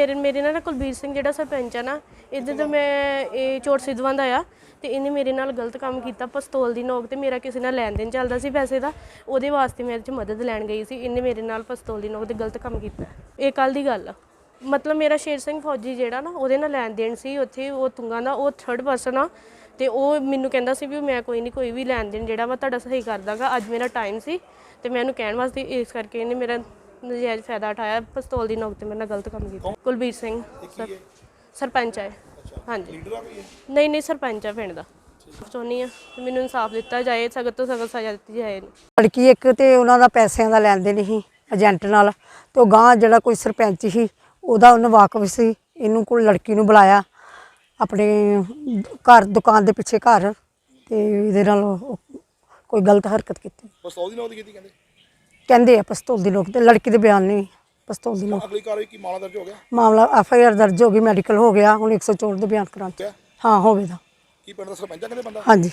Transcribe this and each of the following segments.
ਮੇਰੇ ਨਾਲ ਕੁਲਬੀਰ ਸਿੰਘ ਜਿਹੜਾ ਸਰਪੰਚ ਆ ਨਾ, ਇਹਦੇ ਤੋਂ ਮੈਂ ਇਹ ਚੋਟ ਸਿੱਧਵਾਂ ਦਾ ਆ ਤੇ ਇਹਨੇ ਮੇਰੇ ਨਾਲ ਗਲਤ ਕੰਮ ਕੀਤਾ। ਪਿਸਤੌਲ ਦੀ ਨੋਕ ਤੇ ਮੇਰਾ ਕਿਸੇ ਨਾਲ ਲੈਣ ਦੇਣ ਚੱਲਦਾ ਸੀ ਪੈਸੇ ਦਾ, ਉਹਦੇ ਵਾਸਤੇ ਮੈਂ ਇਹਦੇ 'ਚ ਮਦਦ ਲੈਣ ਗਈ ਸੀ। ਇਹਨੇ ਮੇਰੇ ਨਾਲ ਪਿਸਤੌਲ ਦੀ ਨੋਕ ਤੇ ਗਲਤ ਕੰਮ ਕੀਤਾ। ਇਹ ਕੱਲ੍ਹ ਦੀ ਗੱਲ ਆ। ਮਤਲਬ ਮੇਰਾ ਸ਼ੇਰ ਸਿੰਘ ਫੌਜੀ ਜਿਹੜਾ ਨਾ, ਉਹਦੇ ਨਾਲ ਲੈਣ ਦੇਣ ਸੀ ਉੱਥੇ, ਉਹ ਤੁੰਗਾਂ ਦਾ, ਉਹ 3rd ਪਰਸਨ ਆ ਤੇ ਉਹ ਮੈਨੂੰ ਕਹਿੰਦਾ ਸੀ ਵੀ ਮੈਂ ਕੋਈ ਨਹੀਂ, ਕੋਈ ਵੀ ਲੈਣ ਦੇਣ ਜਿਹੜਾ ਵਾ ਤੁਹਾਡਾ ਸਹੀ ਕਰ ਦਾਂਗਾ। ਅੱਜ ਮੇਰਾ ਟਾਈਮ ਸੀ ਤੇ ਮੈਂ ਉਹਨੂੰ ਕਹਿਣ ਵਾਸਤੇ, ਇਸ ਕਰਕੇ ਇਹਨੇ ਮੇਰਾ ਨਜਾਇਜ਼ ਫਾਇਦਾ ਉਠਾਇਆ। ਪਿਸਤੌਲ ਦੀ ਨੋਕ ਤੇ ਮੇਰੇ ਨਾਲ ਗਲਤ ਕੰਮ ਕੀਤਾ। ਕੁਲਬੀਰ ਸਿੰਘ ਸਰਪੰਚ ਹੈ। ਹਾਂਜੀ, ਨਹੀਂ ਸਰਪੰਚ ਆ ਪਿੰਡ ਦਾ। ਚਾਹੁੰਦੀ ਹਾਂ ਮੈਨੂੰ ਇਨਸਾਫ ਦਿੱਤਾ ਜਾਏ, ਸਖਤ ਤੋਂ ਸਖਤ ਸਜ਼ਾ ਦਿੱਤੀ ਜਾਏ। ਲੜਕੀ ਇੱਕ ਤੇ ਉਹਨਾਂ ਦਾ ਪੈਸਿਆਂ ਦਾ ਲੈਣ ਦੇਣ ਸੀ ਏਜੰਟ ਨਾਲ, ਤੇ ਗਾਂ ਜਿਹੜਾ ਕੋਈ ਸਰਪੰਚ ਸੀ ਉਹਦਾ ਉਹਨੂੰ ਵਾਕਫ ਸੀ। ਇਹਨੂੰ ਕੋਲ ਲੜਕੀ ਨੂੰ ਬੁਲਾਇਆ ਆਪਣੇ ਘਰ, ਦੁਕਾਨ ਦੇ ਪਿੱਛੇ ਘਰ, ਤੇ ਇਹਦੇ ਨਾਲ ਕੋਈ ਗਲਤ ਹਰਕਤ ਕੀਤੀ। ਪਿਸਤੌਲ ਦੀ ਨੋਕ ਦੀ ਕੀਤੀ ਕਹਿੰਦੇ ਆ ਪਿਸਤੌਲ ਦੀ ਨੋਕ ਤੇ, ਲੜਕੀ ਦੇ ਬਿਆਨ ਨਹੀਂ ਪਿਸਤੌਲ ਦੀ ਨੋਕ। ਅਗਲੀ ਕਾਰਵਾਈ ਕੀ ਮਾਮਲਾ ਦਰਜ ਹੋ ਗਿਆ? ਮਾਮਲਾ FIR ਦਰਜ ਹੋ ਗਈ, ਮੈਡੀਕਲ ਹੋ ਗਿਆ, ਹੁਣ 104 ਦੇ ਬਿਆਨ ਕਰਾਂਗੇ। ਹਾਂ ਹੋਵੇਗਾ। ਕੀ ਪਿੰਡ ਦਾ ਸਰਪੰਚ ਕਹਿੰਦੇ ਬੰਦਾ? ਹਾਂਜੀ,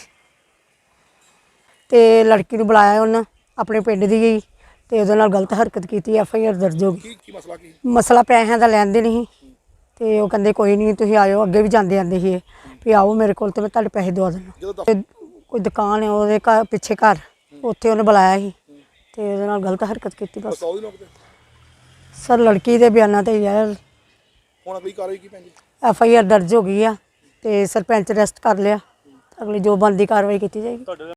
ਤੇ ਲੜਕੀ ਨੂੰ ਬੁਲਾਇਆ ਉਹਨਾਂ ਆਪਣੇ ਪਿੰਡ ਦੀ ਗਈ ਤੇ ਉਹਦੇ ਨਾਲ ਗਲਤ ਹਰਕਤ ਕੀਤੀ। FIR ਦਰਜ ਹੋ ਗਈ। ਕੀ ਮਸਲਾ ਕੀ? ਮਸਲਾ ਪੈਸਿਆਂ ਦਾ ਲੈਣ ਦੇ ਨਹੀਂ, ਤੇ ਉਹ ਕਹਿੰਦੇ ਕੋਈ ਨਹੀਂ ਤੁਸੀਂ ਆਇਓ। ਅੱਗੇ ਵੀ ਜਾਂਦੇ ਆਂਦੇ ਸੀ ਵੀ ਆਓ ਮੇਰੇ ਕੋਲ ਤੇ ਮੈਂ ਤੁਹਾਡੇ ਪੈਸੇ ਦਵਾ ਦੇਣਾ। ਕੋਈ ਦੁਕਾਨ ਹੈ ਉਹਦੇ ਘਰ ਪਿੱਛੇ ਘਰ, ਉੱਥੇ ਉਹਨੇ ਬੁਲਾਇਆ ਸੀ ਤੇ ਉਹਦੇ ਨਾਲ ਗਲਤ ਹਰਕਤ ਕੀਤੀ। ਬਸ ਸਰ ਲੜਕੀ ਦੇ ਬਿਆਨਾਂ ਤੇ ਯਾਰ ਹੁਣ ਅਗਲੀ ਕਾਰਵਾਈ ਕੀ ਪੈਂਦੀ? FIR ਦਰਜ ਹੋ ਗਈ ਆ ਤੇ ਸਰਪੰਚ ਅਰੈਸਟ ਕਰ ਲਿਆ। ਅਗਲੀ ਜੋ ਬਣਦੀ ਕਾਰਵਾਈ ਕੀਤੀ ਜਾਏਗੀ।